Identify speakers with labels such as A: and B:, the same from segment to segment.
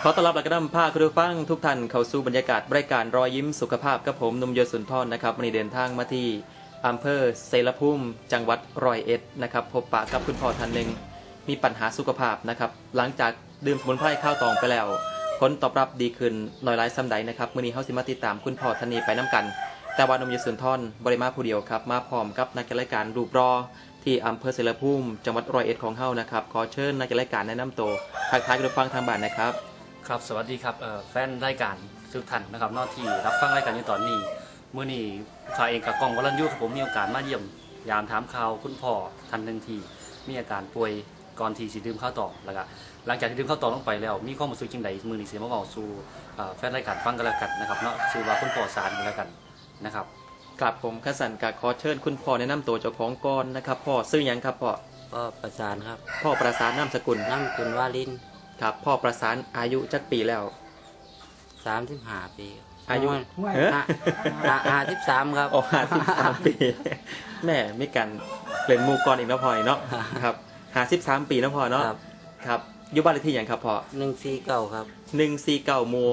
A: ขอต้อนรับและก็นำพาคุณผู้ฟังทุกท่านเข้าสู่บรรยากาศรายการรอยยิ้มสุขภาพกับผมนุ่มโยสุนทรนะครับวันนี้เดินทางมาที่อำเภอเสรภูมิจังหวัดร้อยเอ็ดนะครับพบปะกับคุณพ่อท่านหนึ่งมีปัญหาสุขภาพนะครับหลังจากดื่มสมุนไพรข้าวตองไปแล้วผลตอบรับดีขึ้นน้อยหลายซ้ำใดนะครับมื้อนี้เฮาสิมาติดตามคุณพ่อท่านนี้ไปน้ำกันแต่ว่านุ่มโยสุนทรบ่ได้มาผู้เดียวครับมาพร้อมกับนักรายการรูปรอที่อำเภอเสรภูมิจังหวัดร้อยเอ็ดของเฮานะครับขอเชิญนักรายการแนะนำตัวทักทายคุณผู้ฟังทางบ้านนะครับ
B: ครับสวัสดีครับแฟนรายการทุกท่านนะครับนอกที่รับฟังรายการอยู่ตอนนี้เมื่อนี้ข้าเองกับกองวรัญญูผมมีโอกาสมาเยี่ยมยามถามข่าวคุณพ่อท่านหนึ่งที่มีอาการป่วยก่อนที่สิดื่มข้าวตอกแล้วก็หลังจากที่ดื่มข้าวตอกลงไปแล้วมีความรู้สึกจังใดมือนี้เสียมาบอกสู่แฟนรายการฟังกันแล้วกันนะครับเนาะชื่อว่าคุณพ่อสารกันแล้วกันนะครับ
A: ครับผมขสันกะขอเชิญคุณพ่อแนะนำตัวเจ้าของก่อนนะครับพ่อชื่อหยังครับพ่อ
C: ประสานครับ
A: พ่อประสานนามสกุล
C: วาลิน
A: ครับพ่อประสานอายุจักปีแล้ว
C: 35 ปี
A: อายุ
C: 53ครับ
A: โอ้53 ปีแม่มีการเล่นมูกรอีกแล้วพ่อเนาะครับ53 ปีนะพ่อเนาะครับอยู่บ้านเลขที่หยังครับพ่อ
C: 149ครับ
A: 149หมู่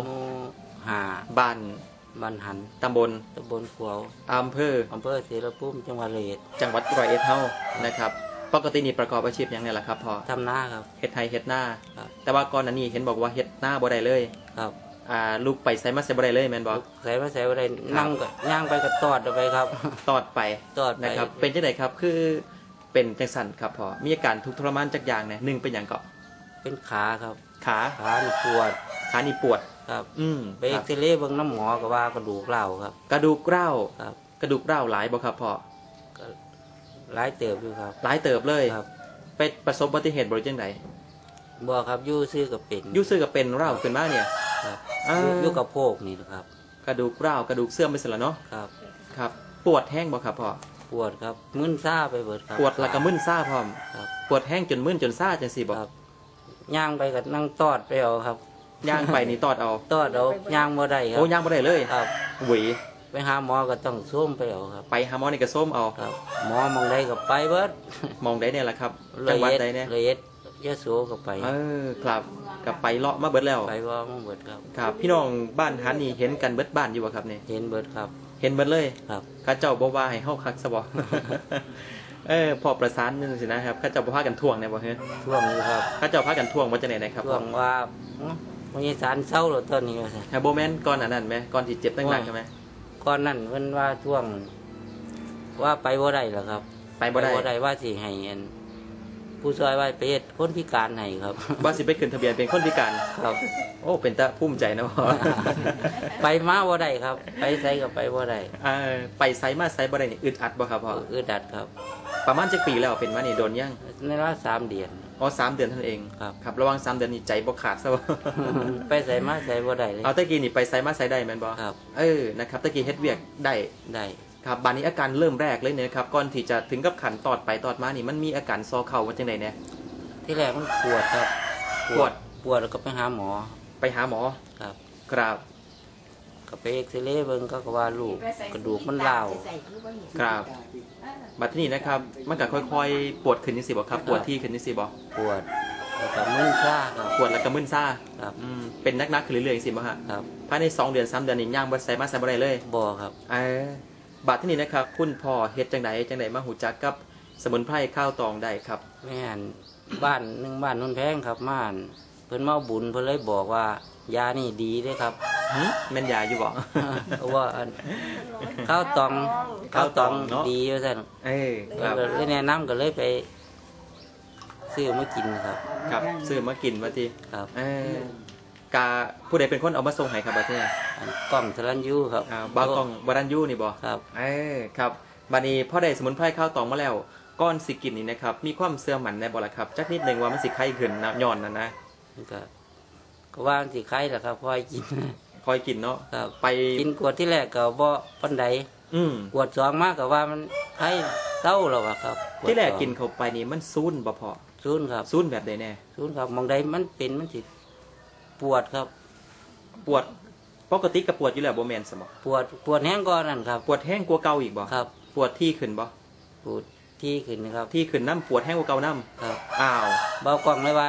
A: 5บ้าน
C: หัน
A: ตำบล
C: ขวาว
A: อำเภอ
C: เสรภูมิจังหวัดร้อยเอ็ด
A: เฮานะครับปกตินี่ประกอบอาชีพอย่างไรล่ะครับพ่อ
C: ทำนาครับ
A: เฮ็ดไร่เฮ็ดนาแต่ว่าก่อนหน้านี้เห็นบอกว่าเฮ็ดนาบ่ได้เลย
C: ครับ
A: ลูกไปไสมาไสบ่ได้เลยแม่นบ่
C: ไสมาไสบ่ได้นั่งก็ย่างไปก็ตอดไปครับ
A: ตอดไปนะครับเป็นจังได๋ครับคือเป็นจังซั่นครับพ่อมีอาการทุกข์ทรมานจักอย่างเนี่ย1เป็นหยังก็
C: เป็นขาครับ
A: ขา
C: นี่ปวดครับไปเอ็กซเรย์เบิ่งน้ำหมอก็ว่ากระดูกร้าวครับ
A: กระดูกร้าว
C: ครับ
A: กระดูกร้าวหลายบ่ครับพ่อ
C: หลายเติบอยู่ครับ
A: หลายเติบเลยครับไปประสบอุบัติเหตุบ่จังได๋
C: บ่ครับอยู่ซื่อก็เป็น
A: ร้าวขึ้นมาเนี่ย
C: ครับอยู่กับโพกนี่นะครับ
A: กระดูกร้าวกระดูกเสื่อมไปซะแล้วเนาะครับปวดแห้งบ่ครับพ่อ
C: ปวดครับมึนซ่าไปเบิดครับ
A: ปวดแล้วก็มึนซ่าพร้อม
C: ครับ
A: ปวดแห้งจนมึนจนซ่าจังซี่บ่
C: ครับย่างไปก็นั่งตอดไปเอาครับ
A: ย่างไปนี่ตอดเอา
C: ย่างบ่ได้ครับ
A: โอ้ย่างบ่ได้เลย
C: ครับ
A: หวี
C: ไปหาหมอก็ต้องส้มไปเอาครับ
A: ไปหาหมอนี่ก็ส้มเอา
C: ครับหมอมองใดก็ไปเบิด
A: มองใดเนี่ยแหละครับจังหวัดใดเนี่ย
C: ร้อยเอ็ดยะโสก็ไป
A: ครับก็ไปเลาะมาเบิดแล้ว
C: ไปว่ามาเบิดครับ
A: ครับพี่น้องบ้านหันนี่เห็นกันเบิดบ้านอยู่บ่ครับนี่
C: เห็นเบิดครับ
A: เห็นเบิดเลย
C: ครับ
A: ข้าเจ้าบ่ว่าให้เฮาคักซะบ่พอประสานนึงสินะครับข้าเจ้าบ่พากันท่วงเนี่ยบ่เฮ้ย
C: ท่วงอยู่ครับ
A: ข้าเจ้าพากันท่วงว่าจังได๋นะครับ
C: ท่วงว่ามีสารเศร้าแล้วตอนนี้ว่าซั่น
A: บ่แม่นก่อนอันนั้นมั้ยก่อนที่เจ็บหนักๆใช่มั้ย
C: ก่อนนั้นเพิ่นว่าท่วงว่าไปบ่ได้หรอกครับ
A: ไปบ่ได้
C: ว่าสิให้ผู้ช่วยว่าไปเฮ็ดคนพิการให้ครับ
A: ว่าสิไปขึ้นทะเบียนเป็นคนพิการ
C: ครับ
A: โอ้เป็นตาภูมิใจนะพ่อ
C: ไปมาบ่ได้ครับไปไสก็ไปบ่ได้
A: ไปไสมาไสบ่ได้นี่อึดอัดบ่ครับพ่อ
C: อึดอัดครับ
A: ประมาณจักปีแล้วเป็นมานี่โดนยัง
C: ในรอบ3 เดือน
A: อ๋อ3 เดือนเท่านั้นเองครับระหว่าง3 เดือนนี่ใจบ่ขาดซะบ่
C: ไปไสมาไสบ่ได้เลย
A: เอาตะกี้นี่ไปไสมาไสได้แม่นบ่
C: ครับ
A: นะครับตะกี้เฮ็ดเวียกได้ครับบัดนี้อาการเริ่มแรกเลยเนี่ยครับก่อนที่จะถึงกับขันตอดไปตอดมานี่มันมีอาการซอเข่าว่าจังได๋เนี่ย
C: ที่แรกมันปวดครับปวดแล้วก็ไปหาหมอ
A: ครับครับ
C: ก็ไปเอ็กซเรย์เบิ่งก็ว่าลูกกระดูกมันร้าว
A: ครับบัดนี้นะครับมันก็ค่อยๆปวดขึ้นจังซี่บ่ครับปวดที่ขึ้นจังซี่บ่
C: ปวดแล้วก็มึนซ่าครับ
A: ปวดแล้วก็มึนซ่า
C: ครับ
A: เป็นนักๆขึ้นเรื่อยๆจังซี่บ่ฮะ
C: ครับ
A: ภายใน2 เดือน3 เดือนนี่ย่างบ่ใส่มาใส่บ่ได้เลย
C: บ่ครับ
A: บัดที่นี้นะครับคุณพ่อเฮ็ดจังไดมาหูจักกับสมุนไพรข้าวตองได้ครับ
C: แม่นบ้านนนแพงครับม่านเพิ่นมาบุญเพิ่นเลยบอกว่ายานี่ดีเด้ครับ
A: แม่นยาอยู่บ่
C: ว่าข้าวตองดีว่าซั่น
A: ครับ
C: เลยแนะนำก็เลยไปซื้อมากิน
A: ครับซื้อมากินว่าติ
C: ครับ
A: กาผู้ใดเป็นคนเอามาส่งให้ครับบัดนี้
C: กล้องสรัญยูครับ
A: บ่าวกล้องวรัญยูนี่บ่
C: ครับ
A: ครับบัดนี้พอได้สมุนไพรข้าวตองมาแล้วก้อนสิกินนี่นะครับมีความเสื่อมหมันในบ่ล่ะครับจักนิดนึงว่ามันสิไข้ขึ้นย้อนนั่นนะ
C: ก็ว่าสิไข้ล่ะครับค่อย
A: กินเนาะ
C: ไปกินขวดที่แรกก็บ่ปานใดขวด2มาก็ว่ามันไข้เศร้าแล้วครับ
A: ที่แรกกินเข้าไปนี่มันซูนบ่พอ
C: ซูนครับ
A: ซูนแบบใดแน่
C: ซูนครับมองใดมันเป็นมันสิปวดครับ
A: ปวดปกติก็ปวดอยู่แล้วบ่แม่นซะบ่
C: ปวดแห้งก่อนนั่นครับ
A: ปวดแห้งกว่าเก่าอีกบ่
C: ครับ
A: ปวดที่ขึ้นบ่
C: ปวดที่ขึ้นครับ
A: ที่ขึ้นน้ำปวดแห้งกว่าเก่าน้
C: ำครับ
A: อ้าว
C: เบากล้องเลยว่าพ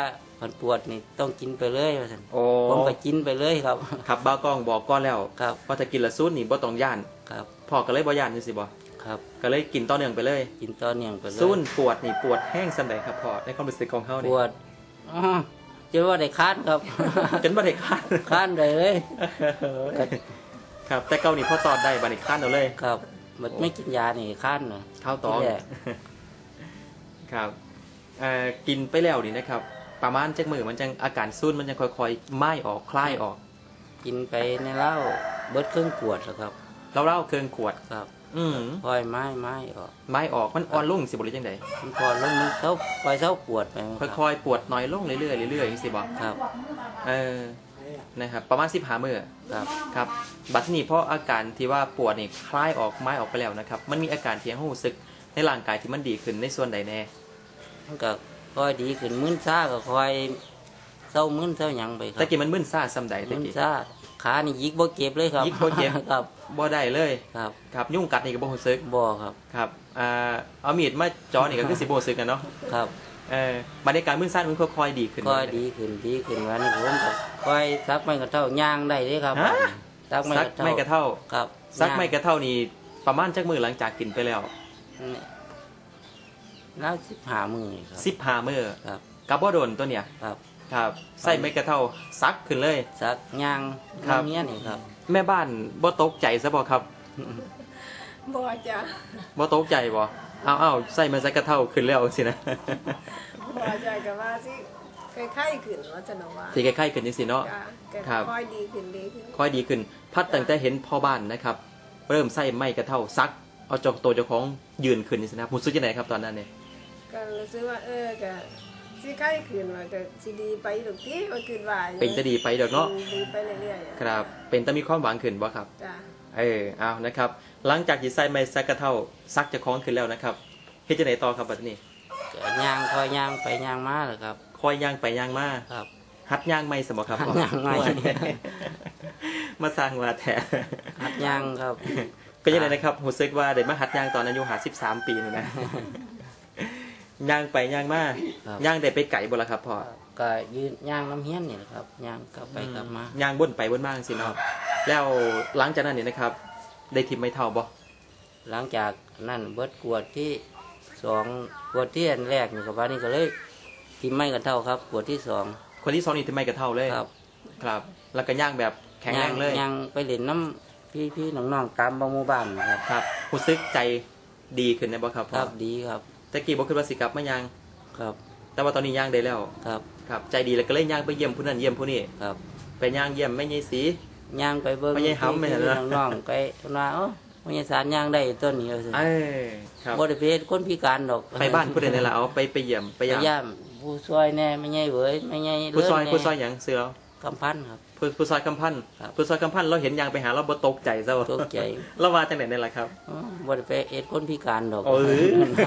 C: คันปวดนี่ต้องกินไปเลยว่าซั่น
A: โอ้
C: ผมก็กินไปเลยครับ
A: ครับบ้าวกล้องบอกก้อนแล้ว
C: ครับ
A: ว่าถ้ากินละซูนนี่บ่ต้องย่าน
C: ครับ
A: พ่อก็เลยบ่ย่านจังซี่บ่
C: ครับ
A: ก็เลยกินต่อเนื่องไปเลย
C: กินต่อเนื่องไปเลย
A: ซูนปวดนี่ปวดแห้งส่ำใดครับพ่อในความรู้สึกของเฮา
C: ป
A: นี่
C: วดอ๋อจะว่าได้ค้านครับ
A: จนบ่ได้ค้าน
C: ค้านได้เลย
A: ครับแต่เก่านี่พ่อตอดได้บัดนี้ค้านเอาเลย
C: ครับมันไม่กินยานี่ค้านน่ะ
A: เข้าตอง
C: ที่แรก
A: ครับกินไปแล้วนี่นะครับ ประมาณจักมือมันจังอาการซุ่นมันจังค่อยๆไหม้ออกคลายออก
C: กินไปในเหล้าเบิดเครื่องขวดแล้วครับ
A: เล่าๆเครื่องขวด
C: ครับ
A: อืม
C: ปล่อยไม้ออก
A: ไหม้ออกมันอ่อนลงสิบ่หรือจังได
C: มันก่อนแล้วมันเท่าปล่อยเท่าปวดไปครับ
A: ค่อยๆปวดน้อยลงเรื่อยๆเรื่อยๆจังซี่บ่
C: ครับ
A: นะครับประมาณ15มื้อ
C: ครับ
A: ครับบัดทีนี้เพราะอาการที่ว่าปวดนี่คลายออกไม้ออกไปแล้วนะครับ มันมีอาการที่รู้สึกในร่างกายที่มันดีขึ้นในส่วนใดแน่
C: มันก็ค่อยดีขึ้นมึนซ่าก็ค่อยเศร้ามึนเศร้าหยังไปครั
A: ตะกี้มันมึนซ่าซำใดตะ
C: มึน
A: กี้
C: ซ่าขานี่ยิกบ่เก็บเลยครับ
A: ยิกบ่เจ็บ
C: ครับ
A: บ่ได้เลย
C: ครับ
A: ครับยุ่งกัดนี่ก็บ่รู้สึก
C: บ่ครับ
A: ครับเอามีดมาจ่อนี่ก็คือสิบ่รู้สึกกันเนาะ
C: ครับ
A: บรรยากาศมึนซ่ามันค่อยๆดีขึ้น
C: ค่อยดีขึ้นวันนี้ผมก็ค่อยซักไม้กระเท่าย่างได้เลยครับ
A: ฮะ
C: ซักไม้
A: ซัก
C: กระเท่า
A: ไม่กระเท่า
C: ครับ
A: ซักไม่กระเท่านี่ประมาณจักมื้อหลังจากกินไปแล้ว
C: นี่แล้ว15 มื้อนี่ครับ
A: 15มื้อ
C: ครับ
A: กับบ่โดนตัวเนี่ย
C: ครับ
A: ครับใส่ไม่กระเท่าซักขึ้นเลย
C: ซักย่าง
A: ครับ
C: น้ำเงี้ยนี่ครับ
A: แม่บ้านบ่ตกใจซะบ่ครับ
D: บ่จ้ะ
A: บ่ตกใจบ่เอาใส่มาใส่กระเท่าขึ้นแล้วสินะ
D: บ่จ้ะก็ว่าสิไข้ๆขึ้นว่าจะนว่า
A: สิใกล้ๆขึ้นจังซี่เนาะ
D: จ้ะก็
A: ครับ
D: ค่อยดีขึ้นดีขึ้น
A: ค่อยดีขึ้น พัดตั้งแต่เห็นพ่อบ้านนะครับ เริ่มใส่ไม้กระเท่าซัก เอาจอกตัวเจ้าของยืนขึ้นนี่สินะรู้สึกยังไงครับตอนนั้นเนี่ย
D: ก็รู้สึกว่าก็สิไข้ขึ้นว่าก็สิดีไปดอกติว่าขึ้นว่า
A: เป็นจะดีไปเดี๋ยวเนาะ
D: ดีไปเรื่อยๆอะ
A: ครับ เป็นแต่มีความหวังขึ้นบ่ครับ
D: จ้ะ
A: เอานะครับ หลังจากที่ใส่ไม้ซักกระเท่าซักเจ้าของขึ้นแล้วนะครับเฮ็ดจังไดต่อครับบัดนี้
C: ก็ย่างค่อยย่างไปย่างมาเลยครับ
A: คอยย่างไปย่างมา
C: ครับ
A: หัดย่างไม่สมบ่ครับ
C: หัดย่างไม้
A: มาสร้างว่าแท้
C: หัดย่างครับ
A: ก็ยังไงนะครับรู้สึกว่าได้มาหัดย่างตอนอายุ53 ปีนี่นะ ย่างไปย่างมา
C: ครับ
A: ย่างได้ไปไก่บ่ล่ะครับพ่อ
C: ก็ยืนย่างน้ำเฮี้ยนนี่แหละครับย่างกลับไปกลับมา
A: ย่างบนไปบนมาจังซี่เนาะแล้วหลังจากนั้นนี่นะครับ ได้ทิมไม่เท่าบ่
C: หลังจากนั่นเบิดกวดที่สองกวดที่อันแรกนี่กับวันนี้ก็เลยทิมไม่กันเท่าครับกวดที่สอง
A: คนที่2นี่ทิมไม่กระเท่าเลย
C: ครับ
A: ครับ แล้วก็ย่างแบบแข็งแรงเลย
C: ย่างไปเล่นน้ำพี่น้องๆตามบางหมู่บ้านนะครับ
A: ครับรู้สึกใจดีขึ้นได้บ่ครับ
C: ค
A: พ่อ
C: รับดีครับ
A: ตะกี้บ่คิดว่าสิกลับมาย่าง
C: ครับ
A: แต่ว่าตอนนี้ย่างได้แล้ว
C: ครับ
A: ครับ ใจดีแล้วก็เลยย่างไปเยี่ยมผู้นั้นเยี่ยมผู้นี้
C: ครับ
A: ไปย่างเยี่ยมแม่ยายสี
C: ย่างไปเบิ้ง
A: ไม่ใช่ห้ำไม่ใช่เหรอ
C: น้องๆไปว่าเอ้าไม่ใช่สารย่างได้ต้นนี้เอาสิ
A: ครับ
C: บ่ได้เป็นคนพิการดอก
A: ไปบ้านผู้ใดนี่ล่ะเอาไปเยี่ยมไป
C: ไป
A: ย่าง
C: ย่ามผู้ช่วยแน่ไม่ใช่เว้ยไม่ใช่
A: ผู้ซอย
C: แน่
A: ผู้ซอยหยังเสือ
C: กำพันครับ
A: ผู้ซอยกำพัน
C: ครับ
A: ผู้ซอยกำพันเราเห็นยางไปหาเราบ่ตกใจซะวะ
C: ตกใจ
A: เราว่าจังไหนนี่ล่ะครับ
C: อ๋อบ่ได้ไปเอ็ดคนพิการดอก
A: เออ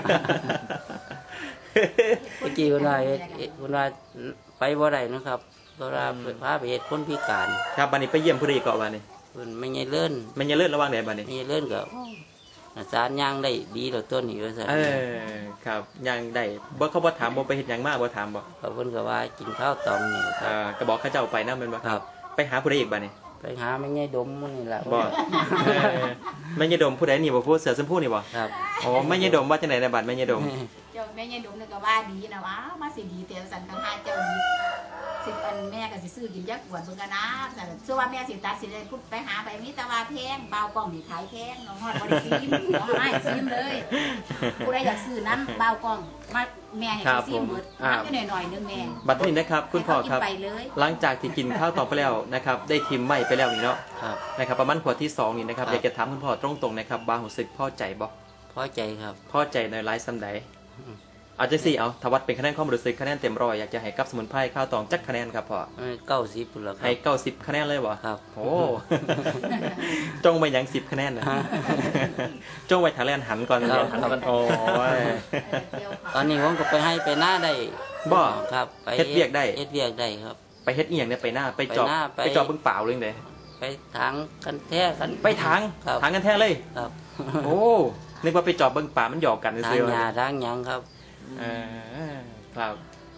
C: เมื่อกี้คนว่าคนว่าไปบ่ได้นะครับเพราะว่าพาไปเอ็ดคนพิการ
A: ครับบัดนี้ไปเยี่ยมผู้ใดเกาะบัดนี้
C: เพิ่นไม่ใช่เลื่อน
A: มันอย่าเลิศระวังได้บัดนี้
C: ไม่ใช่เลื่อนก็สารย่างได้ดีดอกต้นนี้ว่าซั่น
A: ครับยางได้บ่เขาบ่ถามบ่ไปเฮ็ดหยังมาบ่ถามบ่
C: เขาเพิ่นก็ว่ากินข้าวตองนี่ครับ
A: ก็บอกเขาเจ้าไปนำแม่นบ่
C: ครับ
A: ไปหาผู้ใดอีกบัดนี้
C: ไปหาไม่ใช่ดมมันนี่ล่ะ
A: บ่แม่ยายดมผู้ใดนี่บ่ผู้เสือชมพูนี่บ่
C: ครับ
A: อ๋อแม่ยายดมว่าจังได๋ในบัดแม่ยายดม
E: เจ้าแม่ยายดุมนึกก็ว่าดีนะว่ามาสิดีเตียวสันกันหาเจ้าดีสิอันแม่ก็สิซื้อกินยักษ์หวนเบิ่งกันนะแต่เชื่อว่าแม่สิตัดสิได้พุดไปหาไปมีแต่ว่าแพงเบากล้องนี่ขายแพงน้องฮอดบ่ได้ซีมน้องให้ซีมเลยผู้ใดอยากซื้อน้ำเบากล้องมาแม่ให้
A: ครับ
E: ซีมหมด
A: ผม
E: น้ำแค่หน่อยๆนึงแม่
A: บัดนี้นะครับ คุณพ่อครับ
E: ให้เขากินไปเลย
A: หลังจากที่กินข้าวต่อไปแล้วนะครับ ได้ทิมไม่ไปแล้วนี่เนาะ
C: ครับ
A: นะครับประมาณขวดที่2นี่นะครับ
C: ครับ
A: อยากจะถามคุณพ่อตรงๆนะครับบางรู้สึกพอใจบ่
C: พอใจครับ
A: พอใจในไลฟ์ซ้ำใดเอาจังซี่เอาทวัดเป็นคะแนนความรู้สึกคะแนนเต็มร้อยอยากจะให้กับสมุนไพรข้าวตองจักคะแนนครับพ่อ
C: 90พุ่นล่ะครั
A: ให้
C: บ
A: 90คะแนนเลยบ่
C: ครับ
A: โอ้ จงไปหยัง10คะแนนนะ จงไว้ทาแลนหันก่อน
C: ครับ
A: โอ้ย
C: ตอนนี้ผมก็ไปให้ไปหน้าได้
A: บ่
C: ครับไป
A: เฮ็ดเวียกได้
C: เฮ็ดเวียกได้ครับ
A: ไปเฮ็ดอีหยังเนี่ยไปหน้าไปจอบ
C: ไปหน้าไป
A: ไปจอบเบิ่งเปล่าเลยจังได
C: ไปทางกันแท้กัน
A: ไปทาง
C: ครับ
A: ทางกันแท้เลย
C: ครับ
A: โอ้นึกว่าไปจอบเบิ่งป่ามันหยอกกัน
C: ทาง
A: ซื่อๆ
C: หญ้าทางหยังครับ
A: เออครับ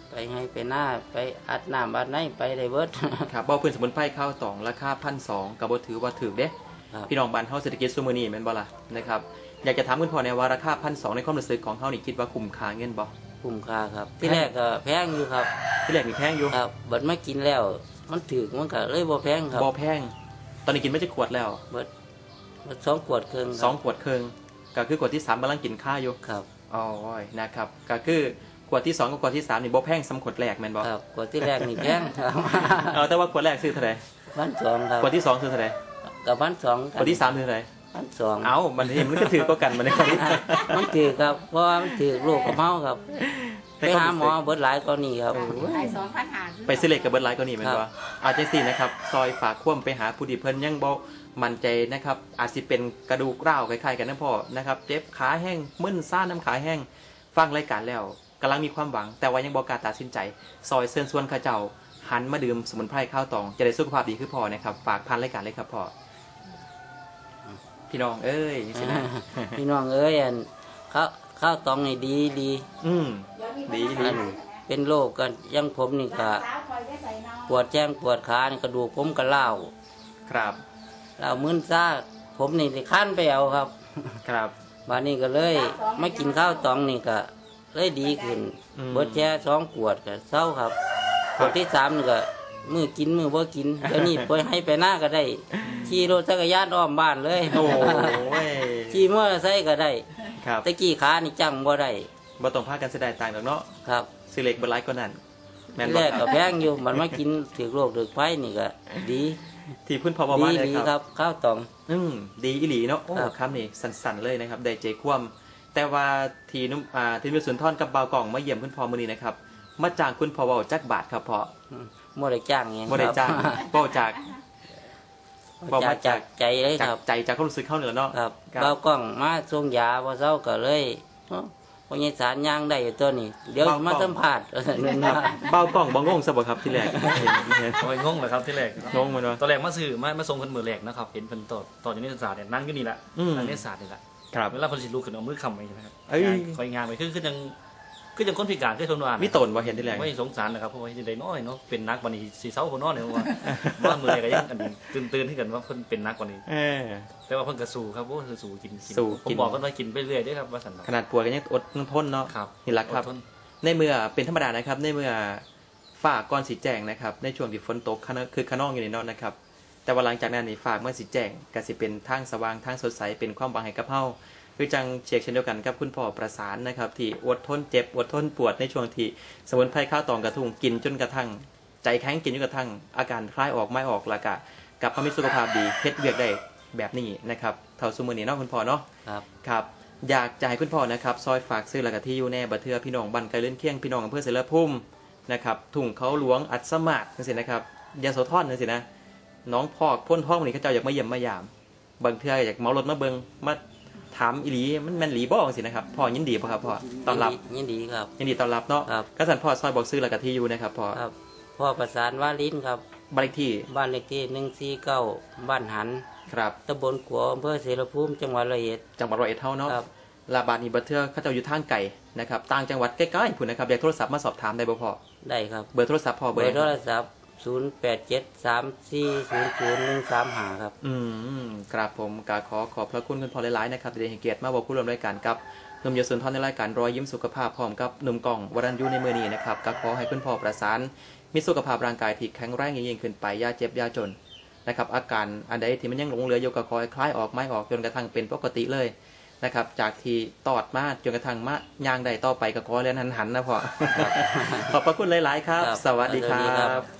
C: ไปให้ไปหน้าไปอัดน้ำอัดไหนไปได้เบิด
A: ครับบ่พื้นสมุนไพรข้าวตองราคา1,200ก็บ่ถือว่าถูกเด้
C: ครับ
A: พี่น้องบ้านเฮาเศรษฐกิจซุมื้อนี้แม่นบ่ล่ะนะครับอยากจะถามคุณพ่อในว่าราคา1,200ในความรู้สึกของเฮานี่คิดว่าคุ้มค่าเงินบ่
C: คุ้มค่าครับ ที่แรกก็แพงอยู่ครับ
A: ที่แรกนี่แพงอยู่
C: ครับเบิดมากินแล้วมันถึกมันก็เลยบ่แพงครับ
A: บ่แพงตอนนี้กินไม่จะขวดแล้ว
C: เบิด2 ขวดครึ่งค
A: ส
C: รั
A: อบ งขวดครึ่งก็คือขวดที่3กำลังกินข้าวอยู่
C: ครับ
A: อ๋อนะครับก็คือขวดที่2กับขวดที่3นี่บ่แพงสำขวดแรกแม่นบ่
C: ครับขวดที่แรกนี่แพงครับ
A: แต่ว่าขวดแรกซื้อเท่าไหร่
C: 1,200ครับ
A: ขวดที่2ซื้อเท่าไหร่
C: กับ1,200
A: ขวดที่3ซื้อเท่าไหร่
C: 1,200
A: เอ้ามันเห็นมันก็ถือก็กันมันในความนี้
C: มันถือครับเพราะว่ามันถือโรคกระเพราครับ
A: ใน
C: ไป
A: ความ
C: หา
A: รู้สึก
C: หมอเบิดหลายกว่านี้ครับ
E: ขาย2,500
A: ไปซื้อเหล็กกับเบิร์ดไลท์ก็นี่แม่น
C: ครั
A: บ่
C: บ
A: อาจจะสินะครับซอยฝากคว่ำไปหาผู้ที่เพิ่นยังบ่มั่นใจนะครับอาจสิเป็นกระดูกร้าวคล้ายๆกันนะพ่อนะครับเจ็บขาแห้งมึนซ่าน้ำขาแห้งฟังรายการแล้วกำลังมีความหวัง แต่ว่ายังบ่กล้าตัดสินใจ ซอยเชิญชวนเข้าเจ้าหันมาดื่มสมุนไพรข้าวตองจะได้สุขภาพดีคือพ่อนะครับฝากพันรายการเลยครับพ่อพี่น้องเอ้ยสินะ
C: พี่น้องเอ้ยอันข้าวตองนี่ดีดี
A: อืมดี
C: อันเป็นโรคกันอยังผมนี่ก็ปวดแจ้งปวดขานี่กระดูกผมก็เล่าว
A: ครับ
C: เล่าวมึนซ่าผมนี่ได้ขั้นไปเอาครับ
A: ครับ
C: บานนี้ก็เลยมากินข้าวตองนี่ก็เลยดีขึ้น
A: อืม
C: เบิดแช่2 ขวดก็เศร้าครับขวดที่3นี่ก็มือกินมือบ่กินเดี๋ยวนี้ไปให้ไปหน้าก็ได้ขี่รถจักรยานอ้อมบ้านเลย
A: โอ้ย
C: ขี่มอเตอร์ไซค์ก็ได้
A: ครับ
C: ตะกี้ขานี่จังบ่ได้
A: บ่ต้องพากันเสียดายต่างค์ดอกเนาะ
C: ครับ
A: ซื้อเหล็กเบิร์ดไลท์ก็นั่นแม่น
C: ที่
A: บ่
C: แรกก็แพงอยู่มันมากินถือโรคถือไฟนี่ก็ดี
A: ที่พื้นพอประมาณเลย
C: ดี
A: ค
C: ครับ รับข้าวตอง
A: ดีอีหลีเนาะโอ้
C: ครับ
A: คำนี่สั่นๆเลยนะครับได้ใจคว่ำแต่ว่าทีนุ่มทีมสุนทรกับเบากล่องมาเยี่ยมคุณพ่อมื้อนี้นะครับมาจ้างคุณพ่อเว้าจักบาทครับพ่อ
C: บ่ได้จ้างหยัง
A: บ่ได้จ้างเว้าจาก
C: บ่ได้จากใจเลย
A: จา
C: ค
A: ก
C: รับ
A: ใจจากความรู้สึกเข้าเหนือเนาะ
C: ครับ
A: ครับ
C: เบากล้องมาส่งยาบ่เซาก็เลยเอ้าพยาสารย่างได้อยู่ตัวนี้ เดี๋ยวมาสัมภาษณ์ นั่น
A: ครั
C: นะ
A: บเบากล่องบ่งงซะบ่ครับที่แรกเห็น
B: โอ้ยงงเลยครับที่แรก
A: งงมันวะ
B: ตอนแรกมาซื้อมาส่งคนมือแรกนะครับเห็นเพิ่นต่อจากนิสสาสตร์เนี่ยนั่งอยู่นี่แหละ
A: อืม
B: นั่งนิสสาสตร์นี่แหละ
A: ครับ
B: เวลาเพิ่นสิลุกขึ้นเอามือค้ำไว้นะครับ
A: เอ้ย
B: คอยงานไปคือยังคนพิการคือทนวาน
A: มีตนบ่เห็นที่แรก
B: ไม่สงสารนะครับเพราะว่าจะได้น้อยเนาะเป็นนักวันนี้สีเสาคนน้อยเนี่ยว่าบ้านมืออะไรก็ยังอันนี้ตื่นที่กันว่าเพิ่นเป็นนักกว่านี้
A: เออ
B: แต่ว่าเพิ่นก็สู้ครับโอ้คือสู้กิน
A: สู้
B: ผม
A: กิน
B: บอกกันว่ากินไปเรื่อยเด้อครับว่าสันเนาะ
A: ขนาดป่วยก็ยังอดทนเนาะ
B: ครับ
A: นี่แหละครับ
B: อดทน
A: ในเมื่อเป็นธรรมดานะครับในเมื่อฝากก่อนสีแจงนะครับในช่วงที่ฝนตกคือขนองอยู่ในนอนนะครับแต่ว่าหลังจากนั้นนี่ฝากเมื่อสีแจงก็สิเป็นทางสว่างทางสดใสเป็นความหวังให้กับเฮาคือจังเชียกเช่นเดียวกันกับคุณพ่อประสานนะครับที่อดทนเจ็บอดทนปวดในช่วงที่สมุนไพรข้าวตองกระทุ่งกินจนกระทั่งใจแข็งกินจนกระทั่งอาการคลายออกไม่ออกและกะกลับมามีสุขภาพดีเฮ็ดเวียกได้แบบนี้นะครับเท่าซุมื้อนี้เนาะคุณพ่อเนาะ
C: ครับ
A: ครับอยากจะให้คุณพ่อนะครับซอยฝากซื้อหลักที่อยู่แน่บัดเทือพี่น้องบันไกลเลื่อนเคียงพี่น้องอำเภอเสรภูมินะครับถุงเขาหลวงอัดสมาดนั่นสินะครับยาโสธรนั่นสินะน้องพอกพ่นท้องวันนี้เขาเจ้าอยากมาเยี่ยมมายามบางเทืออยากเมารถมาเบิงมาถามอีหลีมันแม่นหลีบ้องสินะครับพ่อยินดีป่ะครับพ่อต้อนรับ
C: ยินดีครับ
A: ยินดีต้อนรับเนาะ
C: ครับ
A: ก็สั่นพ่อซอยบอกซื้อหลักที่อยู่นะครับพ่อ
C: ครับพ่อประสานว่าลิ้นครับ
A: บ้านเลขที่
C: บ้านเลขที่149บ้านหัน
A: ครับ
C: ตำบลขัวอำเภอเสรภูมิจังหวัดร้อยเอ็ด
A: จังหวัดร้อยเอ็ดเท่าเนาะ
C: ครับ
A: ลาบาดนี้บัดเทือเขาเจ้าอยู่ทางไก่นะครับต่างจังหวัดใกล้ๆพุ่นนะครับอยากโทรศัพท์มาสอบถามได้บ่พ่อ
C: ได้ครับ
A: เบอร์โทรศัพท์พ่อ
C: เบ
A: เบอ
C: อ
A: ร์
C: ร์โทรศัพท์0873400135ครับ
A: ครับผมกาขอบพระคุณคุณพ่อหลายๆนะครับที่ได้ให้เกียรติมาบอกผู้ร่วมรายการกับหนุ่มยศสุนทรในรายการรอยยิ้มสุขภาพพร้อมกับหนุ่มกล่องวรัญยูในมือนี้นะครับก็ขอให้คุณพ่อประสานมีสุขภาพร่างกายที่แข็งแรงยิ่งขึ้นไปอย่าเจ็บอย่าจนนะครับอาการอันใดที่มันยังหลงเหลืออยู่ก็ขอให้คลายออกไม่ออกจนกระทั่งเป็นปกติเลยนะครับจากที่ตอดมาจนกระทั่งมะย่างใดต่อไปก็ขอเรียนหันๆนะพ่อ ขอบพระคุณหลายๆครับ
C: ครับ
A: สวัสดีค
C: สวัสดีครั
A: รับ บ